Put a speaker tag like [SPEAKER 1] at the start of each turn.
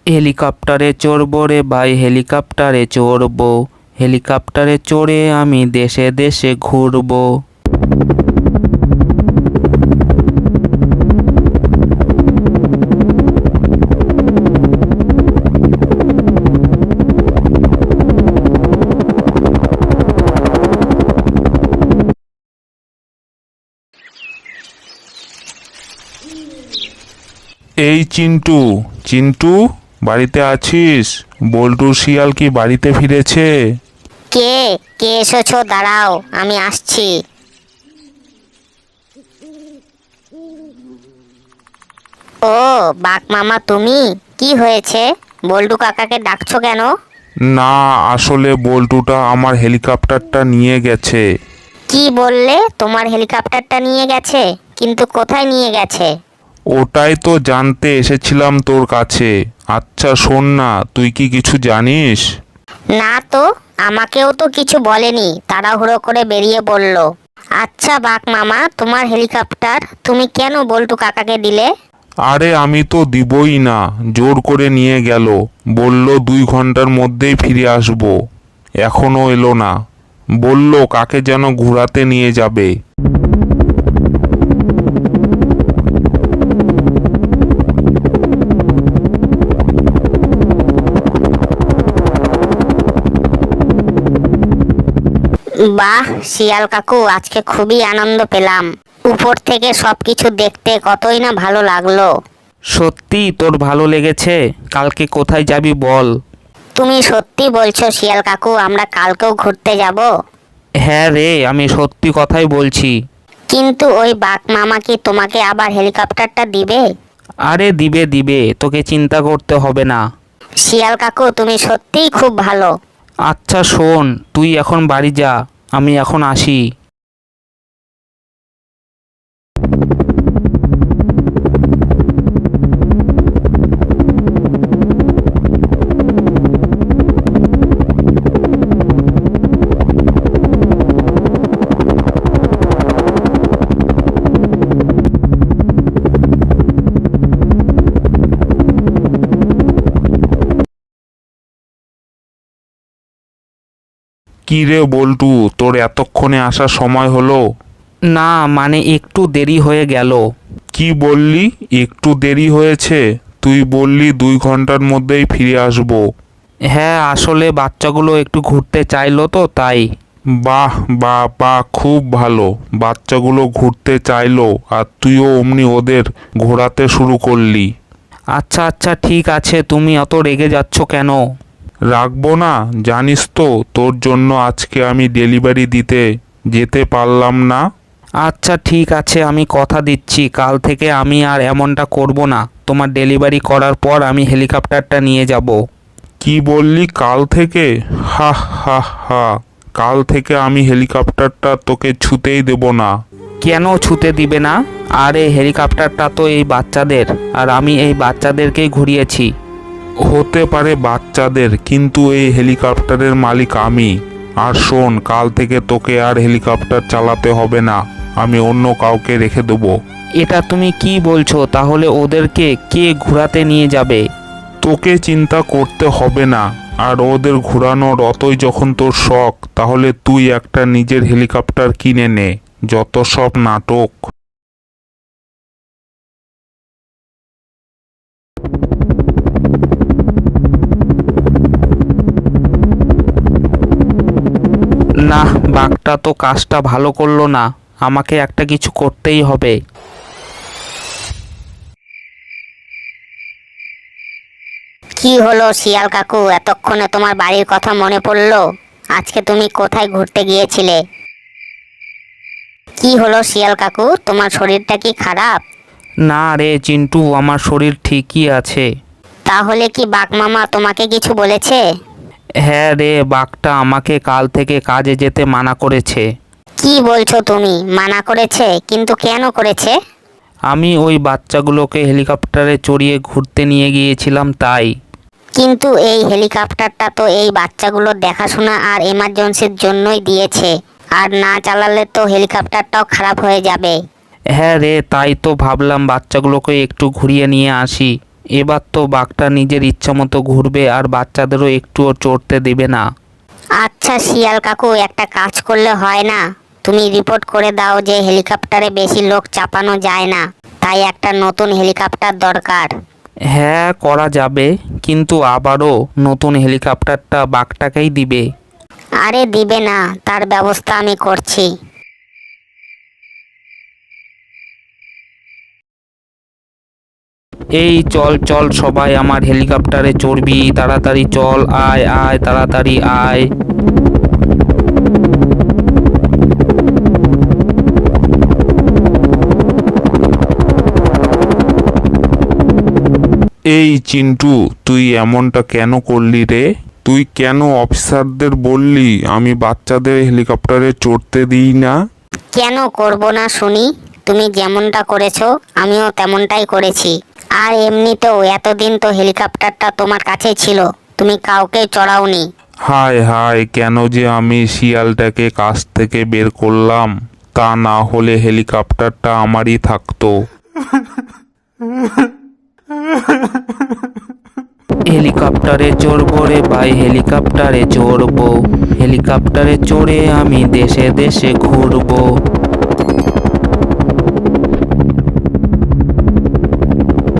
[SPEAKER 1] হেলিকপ্টারে চড়বো রে ভাই, হেলিকপ্টারে চড়বো। হেলিকপ্টারে চড়ে আমি দেশে দেশে ঘুরবো।
[SPEAKER 2] এই চিন্টু, চিন্টু, বাড়িতে আছিস? বল্টু শিয়াল কি বাড়িতে ফিরেছে?
[SPEAKER 3] কে কে এসেছো? দাঁড়াও, আমি আসছি। ও বাঘ মামা, তুমি? কি হয়েছে? বল্টু কাকাকে ডাকছো কেন?
[SPEAKER 2] না, আসলে বল্টুটা আমার হেলিকপ্টারটা নিয়ে গেছে।
[SPEAKER 3] কি বললে? তোমার হেলিকপ্টারটা নিয়ে গেছে? কিন্তু কোথায় নিয়ে গেছে?
[SPEAKER 2] ওটাই তো জানতে এসেছিলাম তোর কাছে। আচ্ছা শোন না, তুই কি কিছু জানিস?
[SPEAKER 3] না তো, আমাকেও তো কিছু বলেনি, তাড়াহুড়ো করে বেরিয়ে পড়ল। আচ্ছা বাঘ মামা, তোমার হেলিকপ্টার তুমি কেন বল্টু কাকাকে দিলে?
[SPEAKER 2] আরে আমি তো দিবই না, জোর করে নিয়ে গেল। বলল 2 ঘন্টার মধ্যেই ফিরে আসবো। এখনো এলো না। বলল কাকে যেন ঘোরাতে নিয়ে যাবে।
[SPEAKER 3] বাহ শিয়াল কাকু, আজকে খুবই আনন্দ পেলাম। উপর থেকে সবকিছু দেখতে কতই না ভালো লাগলো।
[SPEAKER 1] সত্যি তোর ভালো লেগেছে? কালকে কোথায় যাবি বল?
[SPEAKER 3] তুমি সত্যি বলছো শিয়াল কাকু, আমরা কালকেও ঘুরতে যাব?
[SPEAKER 1] হ্যাঁ রে, আমি সত্যি কথাই বলছি।
[SPEAKER 3] কিন্তু ওই বাঘ মামা কি তোমাকে আবার হেলিকপ্টারটা দিবে?
[SPEAKER 1] আরে দিবে দিবে, তোকে চিন্তা করতে হবে না।
[SPEAKER 3] শিয়াল কাকু তুমি সত্যিই খুব ভালো।
[SPEAKER 1] আচ্ছা শোন, তুই এখন বাড়ি যা, আমি এখন আসি।
[SPEAKER 2] কি রে বল্টু, তোর এতক্ষণে আসার সময় হলো?
[SPEAKER 1] না মানে একটু দেরি হয়ে গেল।
[SPEAKER 2] কি বললি একটু দেরি হয়েছে? তুই বললি 2 ঘন্টার মধ্যেই ফিরে আসবো।
[SPEAKER 1] হ্যাঁ আসলে বাচ্চাগুলো একটু ঘুরতে চাইলো তো তাই।
[SPEAKER 2] বাহ বাহ বাহ, খুব ভালো। বাচ্চাগুলো ঘুরতে চাইলো আর তুইও অমনি ওদের ঘোরাতে শুরু করলি।
[SPEAKER 1] আচ্ছা আচ্ছা ঠিক আছে, তুমি অত রেগে যাচ্ছ কেন?
[SPEAKER 2] রাখবো না? জানিস তো তোর জন্য আজকে আমি ডেলিভারি দিতে যেতে পারলাম না।
[SPEAKER 1] আচ্ছা ঠিক আছে, আমি কথা দিচ্ছি কাল থেকে আমি আর এমনটা করব না। তোমার ডেলিভারি করার পর আমি হেলিকপ্টারটা নিয়ে যাব।
[SPEAKER 2] কি বললি কাল থেকে? হা হা হা, কাল থেকে আমি হেলিকপ্টারটা তোকে ছুতেই দেব না।
[SPEAKER 1] কেন ছুতে দিবে না? আরে হেলিকপ্টারটা তো এই বাচ্চাদের, আর আমি এই বাচ্চাদেরকেই ঘুরিয়েছি।
[SPEAKER 2] হতে পারে বাচ্চাদের, কিন্তু এই হেলিকপ্টারের মালিক আমি। আর শোন, কাল থেকে তোকে আর হেলিকপ্টার চালাতে হবে না, আমি অন্য কাউকে রেখে দেবো।
[SPEAKER 1] এটা তুমি কি বলছো? তাহলে ওদেরকে কে ঘোরাতে নিয়ে যাবে?
[SPEAKER 2] তোকে চিন্তা করতে হবে না। আর ওদের ঘোরানোর অতই যখন তোর শখ, তাহলে তুই একটা নিজের হেলিকপ্টার কিনে নে। যত সব নাটক।
[SPEAKER 1] না, বাঘটা তো কাজটা ভালো করলো না। আমাকে একটা কিছু করতেই হবে।
[SPEAKER 3] কি হলো শিয়াল কাকু, এতক্ষণে তোমার বাড়ির কথা মনে পড়লো? আজকে তুমি কোথায় ঘুরতে গিয়েছিলে? কি হলো শিয়াল কাকু, তোমার শরীরটা কি খারাপ?
[SPEAKER 1] না রে চিন্টু, আমার শরীর ঠিকই আছে।
[SPEAKER 3] তাহলে কি বাঘ মামা তোমাকে কিছু বলেছে?
[SPEAKER 1] হ্যাঁ রে, বাঘটা আমাকে কাল থেকে কাজে যেতে মানা করেছে।
[SPEAKER 3] কি বলছো তুমি? মানা করেছে? কিন্তু কেন করেছে?
[SPEAKER 1] আমি ওই বাচ্চাগুলোকে হেলিকপ্টারে চড়িয়ে ঘুরতে নিয়ে গিয়েছিলাম তাই।
[SPEAKER 3] কিন্তু এই হেলিকপ্টারটা তো এই বাচ্চাগুলোর দেখাশোনা আর এমার্জেন্সির জন্যই দিয়েছে। আর না চালালে তো হেলিকপ্টারটাও খারাপ হয়ে যাবে।
[SPEAKER 1] হ্যাঁ রে, তাই তো ভাবলাম বাচ্চাগুলোকে একটু ঘুরিয়ে নিয়ে আসি। এবার তো বাঘটা নিজের ইচ্ছা মতো ঘুরবে আর বাচ্চাদেরও একটুও চড়তে দেবে না।
[SPEAKER 3] আচ্ছা শিয়াল কাকু, একটা কাজ করলে হয় না? তুমি রিপোর্ট করে দাও যে হেলিকপ্টারে বেশি লোক চাপানো যায় না, তাই একটা নতুন হেলিকপ্টার দরকার।
[SPEAKER 1] হ্যাঁ, করা যাবে, কিন্তু আবারও নতুন হেলিকপ্টারটা বাঘটাকেই দিবে।
[SPEAKER 3] আরে দিবে না, তার ব্যবস্থা আমি করছি।
[SPEAKER 1] এই চল চল সবাই আমার হেলিকপ্টারে চড়বি, তাড়াতাড়ি চল, আয় আয় তাড়াতাড়ি আয়।
[SPEAKER 2] এই চিন্টু, তুই এমনটা কেন করলি রে? তুই কেন অফিসারদের বললি আমি বাচ্চাদের হেলিকপ্টারে চড়তে দিই না?
[SPEAKER 3] কেন করব না শুনি? তুমি যেমনটা করেছো আমিও তেমনটাই করেছি। আর এমনিতেও এতদিন তো হেলিকপ্টারটা তোমার কাছে ছিল, তুমি কাউকে চড়াওনি।
[SPEAKER 2] হায় হায়, কেন যে আমি শিয়ালটাকে কাছ থেকে বের করলাম, তা না হলে হেলিকপ্টারটা আমারই থাকতো।
[SPEAKER 1] হেলিকপ্টারে চড়বো রে ভাই, হেলিকপ্টারে চড়বো, হেলিকপ্টারে চড়ে আমি দেশে দেশে ঘুরবো।